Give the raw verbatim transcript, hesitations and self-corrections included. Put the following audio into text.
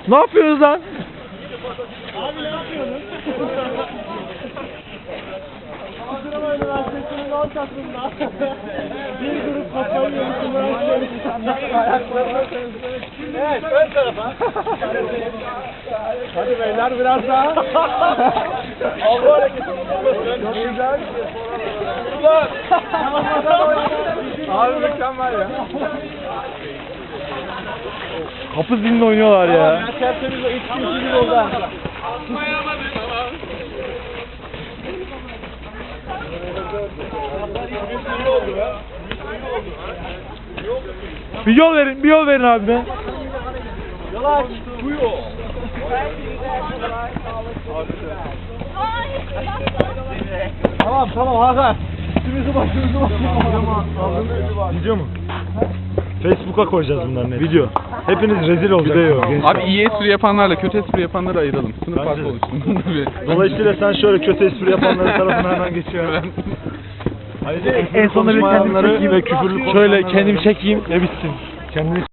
Ne yapıyorsunuz lan? Abi ne yapıyorsun? Kaldırama Üniversitesi'nin ortasında bir grup kafayı yemişler. Evet, ön tarafa. Hadi beyler biraz daha. Allah hareketi. Çok güzel. Ulan. Abi mükemmel ya. Kapı zilini oynuyorlar ya. Ya tertemiz o üç kişi gibi oldu. Bir yol verin, bir yol verin abi be. Yol aç. Buyur. Tamam tamam Hakan. Üstümüzü başımızı başımızı. Video mu? Facebook'a koyacağız bunların hepsini. Video. Hepiniz rezil olacaksınız. Gençler. Abi iyi espri yapanlarla kötü espri yapanları ayıralım. Sınıf Bence farkı de. oluşsun. Dolayısıyla sen şöyle kötü espri yapanların tarafına hemen geçiyorsun. En sonunda bir kendimi çekeyim ve küfürlü Şöyle kendimi çekeyim ve bitsin. Kendini